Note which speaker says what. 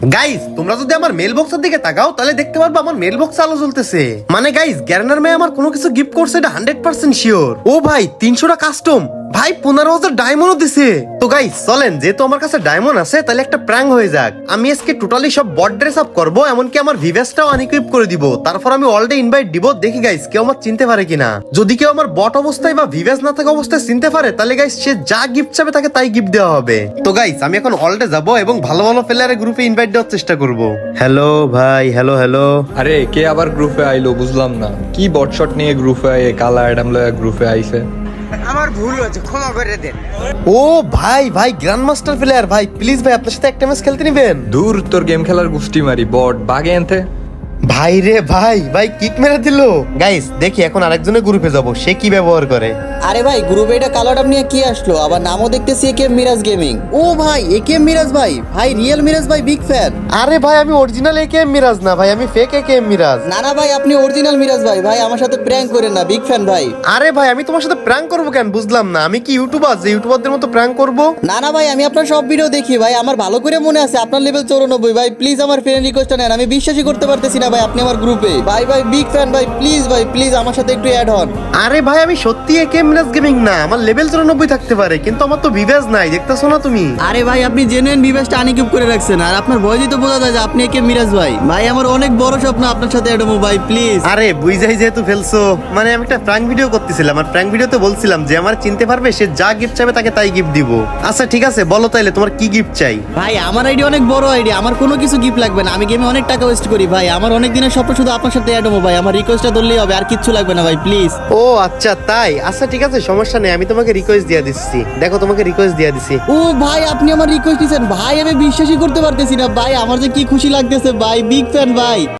Speaker 1: Guys তোমরা যদি আমার মেল বক্সের দিকে তাকাও তাহলে দেখতে পারবে আমার মেল বক্স আলো জ্বলতেছে। মানে গাইস গ্যারেনার মেয়ে আমার কোনো কিছু গিফট করছে এটা 100% শিওর। ও ভাই 300টা কাস্টম, ভাই 15,000 ডায়মন্ডও দিছে। তো গাইস চলেন, যেহেতু আমার কাছে ডায়মন্ড আছে তাহলে একটা প্র্যাঙ্ক হয়ে যাক। আমি আজকে টোটালি সব বট ড্রেস আপ করবো, এমনকি আমার ভিভেসটাও আনইকুইপ করে দিব। তারপর আমি অলরেডি ইনভাইট দিব, দেখি গাইস কেউ আমার চিনতে পারে কিনা। যদি কেউ আমার বট অবস্থায় বা ভিভেস না থাকা অবস্থায় চিনতে পারে তাহলে গাইস সে যা গিফট চাবে তাকে তাই গিফট দেওয়া হবে। তো গাইস আমি এখন অলরেডি যাব এবং ভালো ভালো প্লেয়ারের গ্রুপে ইনভাইট দেওয়ার চেষ্টা করব। হ্যালো ভাই, হ্যালো হ্যালো।
Speaker 2: আরে কে আবার গ্রুপে আইলো বুঝলাম না, কি বটশট নিয়ে গ্রুপে আই, কালা অ্যাডাম লয়া গ্রুপে আইছে।
Speaker 3: আমার ভুল হয়েছে, ক্ষমা করে দেন।
Speaker 1: ও ভাই ভাই গ্র্যান্ড মাস্টার প্লেয়ার, ভাই প্লিজ ভাই আপনার সাথে একটা ম্যাচ খেলতে নিবেন।
Speaker 2: দূর তোর গেম খেলার গুষ্টি মারি, বট বাগে এনতে।
Speaker 1: ভাই রে ভাই, ভাই কিক মেরে দিল। গাইস দেখি এখন আরেকজনের গ্রুপে যাব, সে কি ব্যবহার করে।
Speaker 4: আরে ভাই গ্রুপে এটা কালো ডাব নিয়ে কি আসলো? আবার নামও দেখতেছি একেএম মিরাজ গেমিং। ও ভাই একেএম মিরাজ ভাই, ভাই রিয়েল মিরাজ ভাই বিগ ফ্যান।
Speaker 1: আরে ভাই আমি অরিজিনাল একেএম মিরাজ না ভাই, আমি ফেক একেএম মিরাজ।
Speaker 4: না না ভাই আপনি অরিজিনাল মিরাজ ভাই, ভাই আমার সাথে প্র্যাঙ্ক করেন না, বিগ ফ্যান ভাই।
Speaker 1: আরে ভাই আমি তোমার সাথে প্র্যাঙ্ক করবো কেন বুঝলাম না, আমি কি ইউটিউবার যে ইউটিউবারদের মতো প্র্যাঙ্ক করবো?
Speaker 4: না না ভাই আমি আপনার সব ভিডিও দেখি ভাই, আমার ভালো করে মনে আছে আপনার লেভেল 94। ভাই প্লিজ আমার ফ্রেন্ড রিকোয়েস্ট নেন, আমি বিশ্বাসই করতে পারতেছি না ভাই আপনি আমার গ্রুপে। ভাই ভাই বিগ ফ্যান ভাই, প্লিজ আমার সাথে একটু অ্যাড হন।
Speaker 1: আরে ভাই আমি সত্যি একেএম মিরাজ গেমিং না, আমার লেভেল 94 থাকতে পারে কিন্তু আমার তো ভিভেজ নাই, দেখতেছো না তুমি।
Speaker 4: আরে ভাই আপনি জেনুইন ভিভেসটা আনইকুইপ করে রাখছেন, আর আপনার ভয়েসই তো বোঝা যায় যে আপনি একেএম মিরাজ ভাই। ভাই আমার অনেক বড় স্বপ্ন আপনার সাথে অ্যাড হবো ভাই, প্লিজ।
Speaker 1: আরে বুঝাই যেহেতু ফেলছো, মানে আমি একটা প্র্যাঙ্ক ভিডিও করতেছিলাম, আর প্র্যাঙ্ক ভিডিওতে বলছিলাম যে আমার চিনতে পারবে সে যা গিফট চাইবে তাকে তাই গিফট দিব। আচ্ছা ঠিক আছে বলো তাইলে তোমার কি গিফট চাই।
Speaker 4: ভাই আমার আইডি অনেক বড় আইডি, আমার কোনো কিছু গিফট লাগবে না, আমি গেমে অনেক টাকা ওয়েস্ট করি ভাই, আমার অনেক দিনের স্বপ্ন শুধু আপনার সাথে অ্যাড হবো ভাই, আমার রিকোয়েস্টটা ধরলেই হবে, আর কিচ্ছু লাগবে না ভাই প্লিজ।
Speaker 1: ও আচ্ছা তাই, আচ্ছা ঠিক আছে সমস্যা নেই, আমি তোমাকে রিকোয়েস্ট দিয়ে দিচ্ছি। দেখো তোমাকে রিকোয়েস্ট দিয়ে দিছি।
Speaker 4: ও ভাই আপনি আমার রিকোয়েস্ট দিয়েছেন ভাই, আমি বিশ্বাসই করতে পারতেছি না ভাই, আমার যে কি খুশি লাগতেছে ভাই, বিগ ফ্যান ভাই।